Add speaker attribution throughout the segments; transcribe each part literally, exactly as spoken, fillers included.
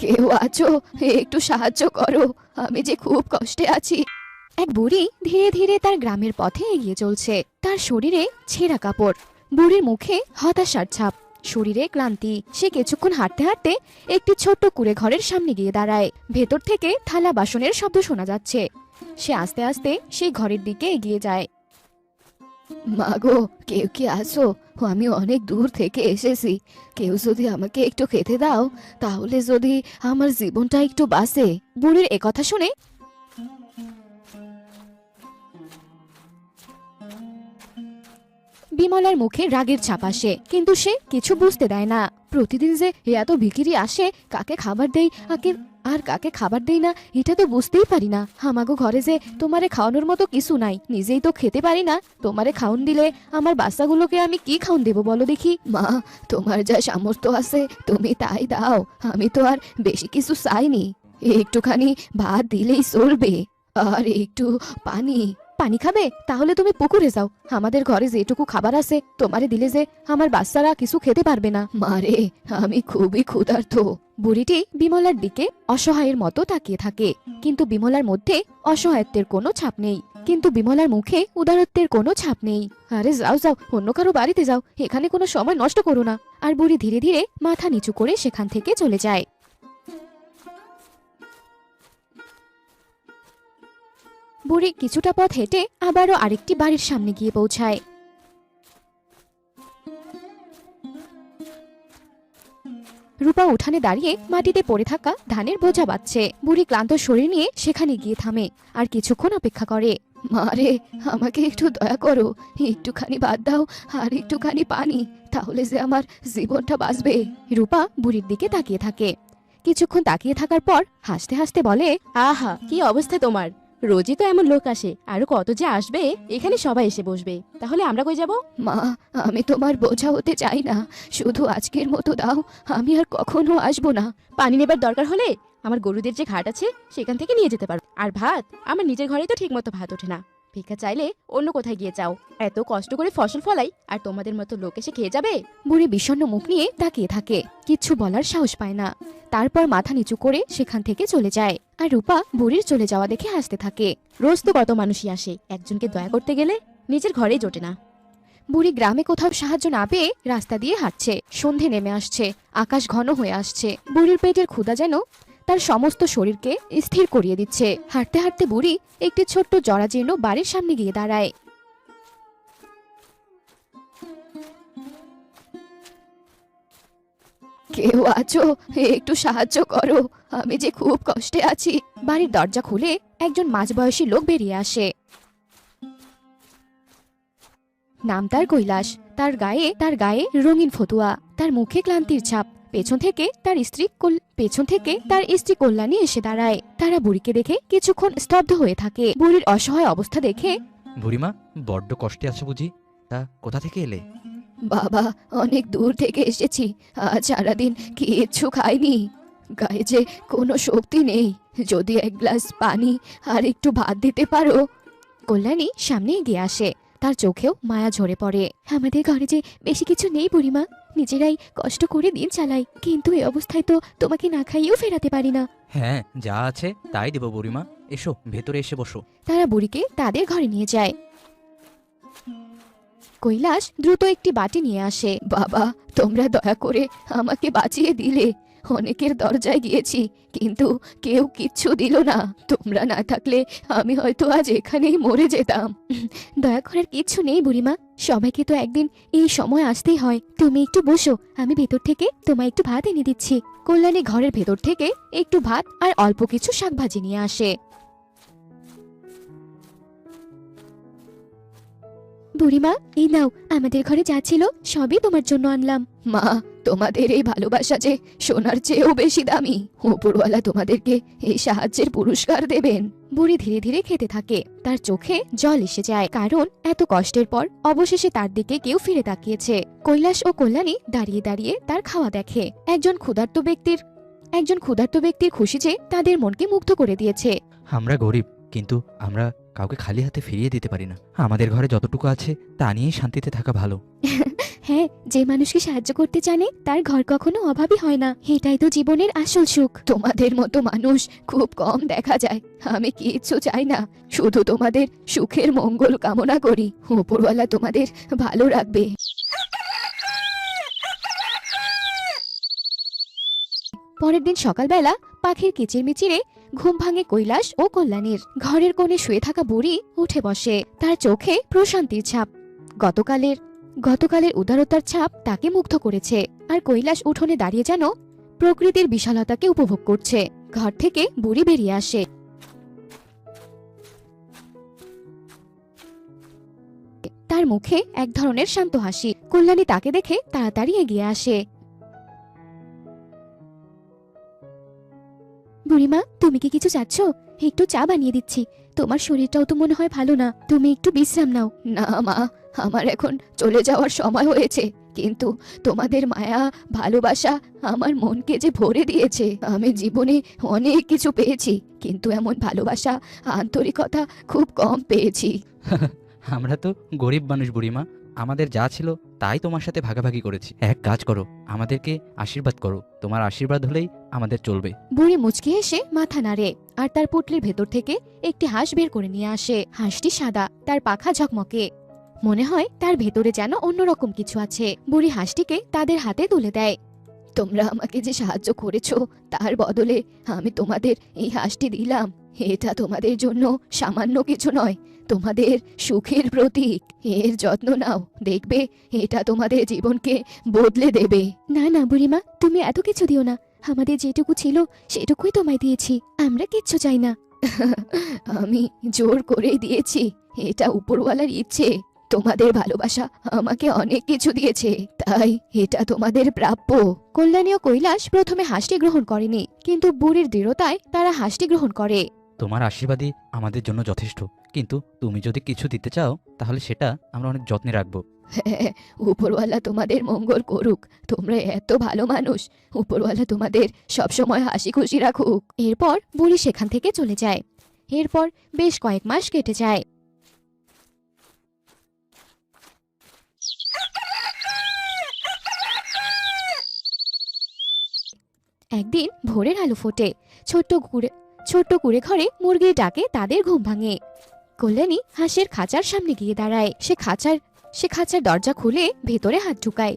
Speaker 1: কেউ আছো? একটু সাহায্য করো, আমি যে খুব কষ্টে আছি। এক বুড়ি ধীরে ধীরে তার গ্রামের পথে এগিয়ে চলছে। তার শরীরে ছেঁড়া কাপড়, বুড়ির মুখে হতাশার ছাপ, শরীরে ক্লান্তি। সে কিছুক্ষণ হাঁটতে হাঁটতে একটি ছোট্ট কুঁড়ে ঘরের সামনে গিয়ে দাঁড়ায়। ভেতর থেকে থালা বাসনের শব্দ শোনা যাচ্ছে। সে আস্তে আস্তে সেই ঘরের দিকে এগিয়ে যায়। মাগো, কেউ কি আসো? আমি অনেক দূর থেকে এসেছি। কেউ যদি আমাকে একটু খেতে দাও, তাহলে যদি আমার জীবনটা একটু বাঁচে। বুড়ির একথা শুনে বিমলার মুখে রাগের ছাপ আসে, কিন্তু সে কিছু বুঝতে দেয় না। প্রতিদিন যে এত ভিখিরি আসে, কাকে খাবার দেই আকে আর কাকে খাবার দেই না, এটা তো বুঝতেই পারি না। আমাগো ঘরে যে তোমারে খাওয়ানোর মতো কিছু নাই, নিজেই তো খেতে পারি না। তোমারে খাওন দিলে আমার বাচ্চাগুলোকে আমি কি খাওন দেবো বলো দেখি? মা, তোমার যা সামর্থ্য আছে তুমি তাই দাও, আমি তো আর বেশি কিছু চাইনি। একটুখানি ভাত দিলেই চলবে, আর একটু পানি। পানি খাবে? তাহলে তুমি পুকুরে যাও। আমাদের ঘরে যেটুকু খাবার আছে তোমারে দিলে যে আমার বাচ্চারা কিছু খেতে পারবে না। মারে, আমি খুবই ক্ষুধার্ত। বুড়িটি বিমলার দিকে অসহায়ের মতো তাকিয়ে থাকে, কিন্তু বিমলার মধ্যে অসহায়ত্বের কোনো ছাপ নেই। কিন্তু বিমলার মুখে উদারত্বের কোনো ছাপ নেই। আরে যাও যাও, অন্য কারো বাড়িতে যাও, এখানে কোনো সময় নষ্ট করো না। আর বুড়ি ধীরে ধীরে মাথা নিচু করে সেখান থেকে চলে যায়। বুড়ি কিছুটা পথ হেঁটে আবারও আরেকটি বাড়ির সামনে গিয়ে পৌঁছায়। রূপা উঠানে দাঁড়িয়ে মাটিতে পড়ে থাকা ধানের বোঝা বাঁধছে। বুড়ি ক্লান্ত শরীর নিয়ে সেখানে গিয়ে থামে আর কিছুক্ষণ অপেক্ষা করে। মারে, আমাকে একটু দয়া করো, একটুখানি বাদ দাও, আর একটুখানি পানি, তাহলে যে আমার জীবনটা বাঁচবে। রূপা বুড়ির দিকে তাকিয়ে থাকে। কিছুক্ষণ তাকিয়ে থাকার পর হাসতে হাসতে বলে,
Speaker 2: আহা, কি অবস্থা তোমার! রোজই তো এমন লোক আসে, আরো কত যে আসবে। এখানে সবাই এসে বসবে, তাহলে আমরা কই যাব?
Speaker 1: মা, আমি তোমার বোঝা হতে চাই না, শুধু আজকের মতো দাও, আমি আর কখনো আসবো না।
Speaker 2: পানি নেবার দরকার হলে আমার গরুদের যে ঘাট আছে সেখান থেকে নিয়ে যেতে পারো। আর ভাত, আমার নিজের ঘরেই তো ঠিক মতো ভাত ওঠে না। ভিক্ষা চাইলে অন্য কোথায় গিয়ে চাও। এত কষ্ট করে ফসল ফলাই, আর তোমাদের মতো লোক এসে খেয়ে যাবে?
Speaker 1: বুড়ি বিষণ্ণ মুখ নিয়ে তাকিয়ে থাকে, কিচ্ছু বলার সাহস পায় না। তারপর মাথা নিচু করে সেখান থেকে চলে যায়। আর রূপা বুড়ির চলে যাওয়া দেখে হাসতে থাকে।
Speaker 2: রোজ তো কত মানুষই আসে, একজনকে দয়া করতে গেলে নিজের ঘরেই জোটে না।
Speaker 1: বুড়ি গ্রামে কোথাও সাহায্য না পেয়ে রাস্তা দিয়ে হাঁটছে। সন্ধে নেমে আসছে, আকাশ ঘন হয়ে আসছে। বুড়ির পেটের ক্ষুধা যেন তার সমস্ত শরীরকে স্থির করিয়ে দিচ্ছে। হাঁটতে হাঁটতে বুড়ি একটি ছোট্ট জরাজীর্ণ বাড়ির সামনে গিয়ে দাঁড়ায়। কেউ আছো? একটু সাহায্য করো, আমি যে খুব কষ্টে আছি। বাড়ির দরজা খুলে একজন মাঝবয়সী লোক বেরিয়ে আসে। নাম তার কৈলাস। তার গায়ে তার গায়ে রঙিন ফতুয়া, তার মুখে ক্লান্তির ছাপ। পেছন থেকে তার স্ত্রী পেছন থেকে তার স্ত্রী কল্যাণী এসে দাঁড়ায়। তারা বুড়িকে দেখে কিছুক্ষণ স্তব্ধ হয়ে থাকে। বুড়ির অসহায় অবস্থা দেখে,
Speaker 3: বুড়িমা, বড্ড কষ্টে আছে বুঝি? তা কোথা থেকে এলে?
Speaker 1: বাবা, অনেক দূর থেকে এসেছি, আজ সারাদিন কিচ্ছু খাইনি, গায়ে যে কোনো শক্তি নেই। যদি এক গ্লাস পানি আর একটু ভাত দিতে পারো। কল্যাণী সামনে এগিয়ে আসে, তার চোখেও মায়া ঝরে পড়ে। আমাদের ঘরে যে বেশি কিছু নেই বুড়িমা, নিজেরাই কষ্ট করে দিন চালাই, কিন্তু এই অবস্থায় তো তোমাকে না খাইয়েও ফেরাতে পারি না।
Speaker 3: হ্যাঁ, যা আছে তাই দেব বুড়িমা। এসো, ভেতরে এসে বসো।
Speaker 1: তারা বুড়িকে তাদের ঘরে নিয়ে যায়। কৈলাস দ্রুত একটি বাটি নিয়ে আসে। বাবা, তোমরা দয়া করে আমাকে বাঁচিয়ে দিলে। অনেকের দরজায় গিয়েছি, কিন্তু কেউ কিচ্ছু দিল না। তোমরা না থাকলে আমি হয়তো আজ এখানেই মরে যেতাম। দয়া করার কিচ্ছু নেই বুড়িমা, সবাইকে তো একদিন এই সময় আসতেই হয়। তুমি একটু বসো, আমি ভেতর থেকে তোমায় একটু ভাত এনে দিচ্ছি। কল্যাণী ঘরের ভেতর থেকে একটু ভাত আর অল্প কিছু শাকভাজি নিয়ে আসে। বুড়িমা, এই নাও, আমাদের ঘরে যা ছিল সবই তোমার জন্য আনলাম। মা, তোমাদের এই ভালোবাসা যে সোনার চেয়েও বেশি দামি। উপরওয়ালা তোমাদেরকে এই সাহায্যের পুরস্কার দেবেন। বুড়ি ধীরে ধীরে খেতে থাকে, তার চোখে জল এসে যায়, কারণ এত কষ্টের পর অবশেষে তার দিকে কেউ ফিরে তাকিয়েছে। কৈলাস ও কল্যাণী দাঁড়িয়ে দাঁড়িয়ে তার খাওয়া দেখে। একজন ক্ষুধার্ত ব্যক্তির একজন ক্ষুধার্ত ব্যক্তির খুশি যে তাদের মনকে মুগ্ধ করে দিয়েছে।
Speaker 3: আমরা গরিব, কিন্তু আমরা কাউকে খালি হাতে ফিরিয়ে দিতে পারি না। আমাদের ঘরে যতটুকু আছে তা নিয়েই শান্তিতে থাকা ভালো।
Speaker 1: হ্যাঁ, যে মানুষকে সাহায্য করতে জানে তার ঘর কখনো অভাবী হয় না। এটাই তো জীবনের আসল সুখ। তোমাদের মতো মানুষ খুব কম দেখা যায়। আমি কিচ্ছু চাই না, শুধু তোমাদের সুখের মঙ্গল কামনা করি। উপরওয়ালা তোমাদের ভালো রাখবে। পরের দিন সকালবেলা পাখির কিচিরমিচিরে ঘুম ভাঙে কৈলাস ও কল্যাণীর। ঘরের কোণে শুয়ে থাকা বুড়ি উঠে বসে, তার চোখে প্রশান্তির ছাপ। গতকালের গতকালের উদারতার ছাপ তাকে মুগ্ধ করেছে। আর কৈলাস উঠোনে দাঁড়িয়ে যেন প্রকৃতির বিশালতাকে উপভোগ করছে। ঘর থেকে বুড়ি বেরিয়ে আসে। তার মুখে এক ধরনের শান্ত হাসি। কল্যাণী তাকে দেখে তাড়াতাড়ি এগিয়ে আসে। বুড়িমা, তুমি কি কিছু চাচ্ছ? একটু চা বানিয়ে দিচ্ছি। তোমার শরীরটাও তো মনে হয় ভালো না, তুমি একটু বিশ্রাম নাও। না মা, আমার এখন চলে যাওয়ার সময় হয়েছে, কিন্তু তোমাদের মায়া ভালোবাসা আমার মনকে যে ভরে দিয়েছে। আমি জীবনে অনেক কিছু পেয়েছি, কিন্তু এমন ভালোবাসা আন্তরিকতা খুব কম পেয়েছি।
Speaker 3: আমরা তো গরিব মানুষ বুড়িমা, আমাদের যা ছিল তাই তোমার সাথে ভাগাভাগি করেছি। এক কাজ করো, আমাদেরকে আশীর্বাদ করো। তোমার আশীর্বাদ হলেই আমাদের চলবে।
Speaker 1: বুড়ি মুচকি হেসে মাথা নাড়ে আর তার পুটলির ভেতর থেকে একটি হাঁস বের করে নিয়ে আসে। হাঁসটি সাদা, তার পাখা ঝকমকে। মনে হয় তার ভেতরে যেন অন্যরকম কিছু আছে। বুড়ি হাঁসটিকে তাদের হাতে তুলে দেয়। তোমরা আমাকে যে সাহায্য করেছো তার বদলে আমি তোমাদের এই হাঁসটি দিলাম। এটা তোমাদের জন্য সামান্য কিছু নয়, তোমাদের সুখের প্রতীক। এর যত্ন নাও, দেখবে এটা তোমাদের জীবনকে বদলে দেবে। না না বুড়িমা, তুমি এত কিছু দিও না। আমাদের যেটুকু ছিল সেটুকুই তোমায় দিয়েছি, আমরা কিচ্ছু চাই না। আমি জোর করেই দিয়েছি, এটা উপরওয়ালার ইচ্ছে। তোমাদের ভালোবাসা আমাকে অনেক কিছু দিয়েছে, তাই এটা তোমাদের প্রাপ্য। কল্যাণী ও কৈলাস প্রথমে হাঁসটি গ্রহণ করেনি, কিন্তু বুড়ির দৃঢ়তায় তারা হাঁসটি গ্রহণ করে।
Speaker 3: তোমার আশীর্বাদই আমাদের জন্য যথেষ্ট, কিন্তু তুমি যদি কিছু দিতে চাও তাহলে সেটা আমরা অনেক যত্নে রাখবো।
Speaker 1: হ্যাঁ, উপরওয়ালা তোমাদের মঙ্গল করুক। তোমরা এত ভালো মানুষ, উপরওয়ালা তোমাদের সবসময় হাসি খুশি রাখুক। এরপর বুড়ি সেখান থেকে চলে যায়। এরপর বেশ কয়েক মাস কেটে যায়। একদিন ভোরের আলো ফোটে। ছোট্ট কুড়ে ছোট্ট কুড়ে ঘরে মুরগির ডাকে তাদের ঘুম ভাঙে। কল্যাণী হাঁসের খাঁচার সামনে গিয়ে দাঁড়ায়। সে খাঁচার সে খাঁচার দরজা খুলে ভেতরে হাত ঢুকায়।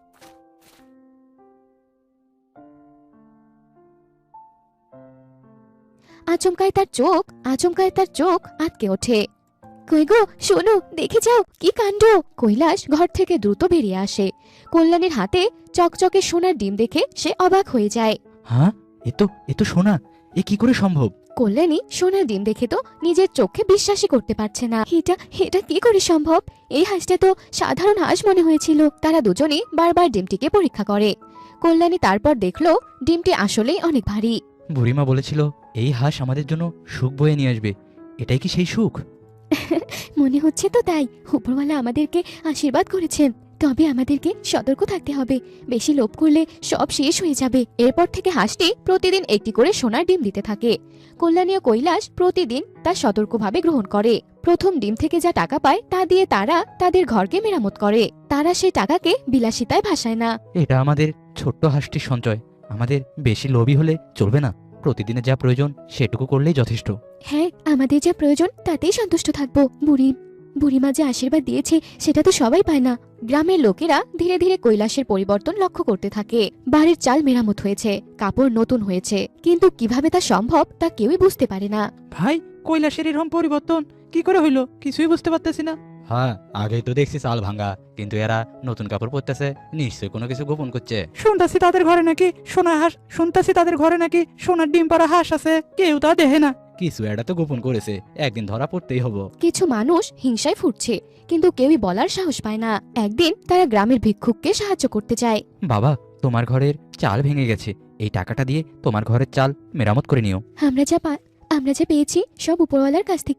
Speaker 1: আচমকায় তার চোখ আচমকায় তার চোখ আটকে ওঠে। কই গো, শোনো, দেখে যাও, কি কাণ্ড! কৈলাস ঘর থেকে দ্রুত বেরিয়ে আসে। কল্যাণীর হাতে চকচকে সোনার ডিম দেখে সে অবাক হয়ে যায়।
Speaker 3: হ্যাঁ, এ তো এ তো সোনা, এ কি করে সম্ভব?
Speaker 1: কল্যাণী সোনার ডিম দেখে তো নিজের চোখে বিশ্বাসই করতে পারছে না। এটা এটা কি করে সম্ভব? এই হাঁসটা তো সাধারণ হাঁস মনে হয়েছিল। তারা দুজনেই বারবার ডিমটিকে পরীক্ষা করে। কল্যাণী তারপর দেখলো ডিমটি আসলেই অনেক ভারী।
Speaker 3: বুড়িমা বলেছিল এই হাঁস আমাদের জন্য সুখ বয়ে নিয়ে আসবে। এটাই কি সেই সুখ?
Speaker 1: মনে হচ্ছে তো তাই। উপরওয়ালা আমাদেরকে আশীর্বাদ করেছেন, তবে আমাদেরকে সতর্ক থাকতে হবে। বেশি লোভ করলে সব শেষ হয়ে যাবে। এরপর থেকে হাঁসটি প্রতিদিন একটি করে সোনার ডিম দিতে থাকে। কল্যাণী ও কৈলাস প্রতিদিন তা সতর্কভাবে গ্রহণ করে। প্রথম ডিম থেকে যা টাকা পায় তা দিয়ে তারা তাদের ঘরকে মেরামত করে। তারা সেই টাকাকে বিলাসিতায় ভাসায় না।
Speaker 3: এটা আমাদের ছোট্ট হাঁসটির সঞ্চয়। আমাদের বেশি লোভী হলে চলবে না। প্রতিদিনের যা প্রয়োজন সেটুকু করলেই যথেষ্ট।
Speaker 1: হ্যাঁ, আমাদের যা প্রয়োজন তাতেই সন্তুষ্ট থাকবো। বুড়ি বুড়িমা যে আশীর্বাদ দিয়েছে সেটা তো সবাই পায় না। গ্রামের লোকেরা ধীরে ধীরে কৈলাসের পরিবর্তন লক্ষ্য করতে থাকে। বাড়ির চাল মেরামত হয়েছে, কাপড় নতুন হয়েছে, কিন্তু কিভাবে তা সম্ভব তা কেউই বুঝতে পারে না।
Speaker 4: ভাই, কৈলাসের এরকম পরিবর্তন কি করে হইলো কিছুই বুঝতে পারতেছি না।
Speaker 3: হ্যাঁ, আগেই তো দেখছি চাল ভাঙা, কিন্তু এরা নতুন কাপড় পরতেছে, নিশ্চয়ই কোনো কিছু গোপন করছে।
Speaker 4: শুনতাছি তাদের ঘরে নাকি সোনা হাঁস শুনতাছি তাদের ঘরে নাকি সোনার ডিম পাড়া হাঁস আছে, কেউ তা দেখে না।
Speaker 3: কিছু এটা তো গোপন করেছে, একদিন ধরা পড়তেই হবো।
Speaker 1: কিছু মানুষ হিংসায় ফুটছে, কিন্তু কেউই বলার সাহস পায় না। একদিন তারা গ্রামের ভিক্ষুককে সাহায্য করতে চায়।
Speaker 3: বাবা, তোমার ঘরের চাল ভেঙে গেছে, এই টাকাটা দিয়ে তোমার ঘরের চাল মেরামত করে নিও।
Speaker 1: আমরা যা পা- আমরা যা পেয়েছি সব উপরওয়ালার কাছ থেকে,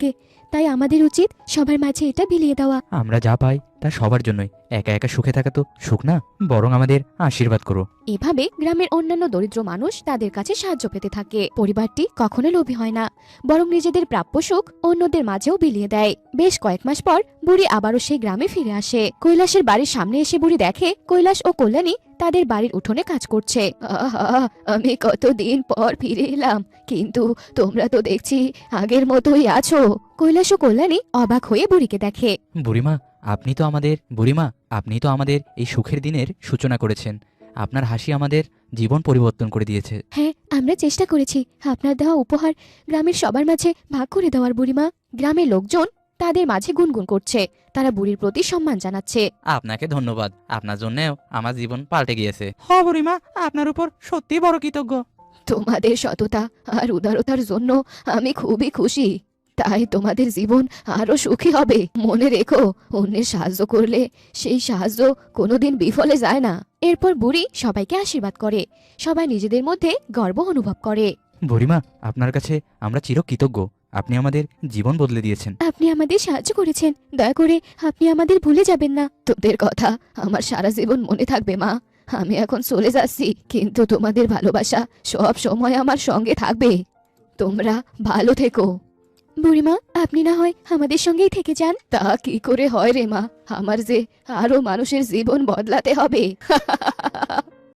Speaker 1: তাই আমাদের উচিত সবার মাঝে এটা বিলিয়ে দেওয়া।
Speaker 3: আমরা যা পাই তা সবার জন্যই, একা একা সুখে থাকা তো সুখ না, বরং আমাদের আশীর্বাদ করো।
Speaker 1: এভাবে গ্রামের অন্যান্য দরিদ্র মানুষ তাদের কাছে সাহায্য পেতে থাকে। পরিবারটি কখনো লোভী হয় না, বরং নিজেদের প্রাপ্য সুখ অন্যদের মাঝেও বিলিয়ে দেয়। বেশ কয়েক মাস পর বুড়ি আবারও সেই গ্রামে ফিরে আসে। কৈলাসের বাড়ির সামনে এসে বুড়ি দেখে কৈলাস ও কল্যাণী তাদের বাড়ির উঠোনে কাজ করছে। আহা, আমি কতদিন পর ফিরে এলাম, কিন্তু তোমরা তো দেখছি আগের মতোই আছো। কৈলাস ও কল্যাণী অবাক হয়ে বুড়িকে দেখে।
Speaker 3: বুড়িমা, আপনি তো আমাদের বুড়িমা আপনি তো আমাদের এই সুখের দিনের সূচনা করেছেন। আপনার হাসি আমাদের জীবন পরিবর্তন করে দিয়েছে।
Speaker 1: হ্যাঁ, আমরা চেষ্টা করেছি আপনার দেওয়া উপহার গ্রামের সবার মাঝে ভাগ করে দেওয়ার। বুড়িমা, গ্রামের লোকজন তাদের মাঝে গুনগুন করছে, তারা বুড়ির প্রতি সম্মান জানাচ্ছে।
Speaker 3: আপনাকে ধন্যবাদ, আপনার জন্যও আমার জীবন পাল্টে গিয়েছে।
Speaker 4: হ বুড়িমা, আপনার উপর সত্যি বড় কৃতজ্ঞ।
Speaker 1: তোমাদের সততা আর উদারতার জন্য আমি খুবই খুশি। তাই তোমাদের জীবন আরো সুখী হবে। মনে রেখো, অন্যের সাহায্য করলে সেই সাহায্য কোনোদিন বিফলে যায় না। এরপর বুড়ি সবাইকে আশীর্বাদ করে। সবাই নিজেদের মধ্যে গর্ব অনুভব করে।
Speaker 3: বুড়িমা, আপনার কাছে আমরা চিরকৃতজ্ঞ। আপনি আমাদের জীবন বদলে দিয়েছেন।
Speaker 1: আপনি আমাদের সাহায্য করেছেন, দয়া করে আপনি আমাদের ভুলে যাবেন না। তোদের কথা আমার সারা জীবন মনে থাকবে মা। আমি এখন চলে যাচ্ছি, কিন্তু তোমাদের ভালোবাসা সব সময় আমার সঙ্গে থাকবে। তোমরা ভালো থেকো। বুড়িমা, আপনি না হয় আমাদের সঙ্গেই থেকে যান। তা কি করে হয় রে মা, আমার যে আরো মানুষের জীবন বদলাতে হবে।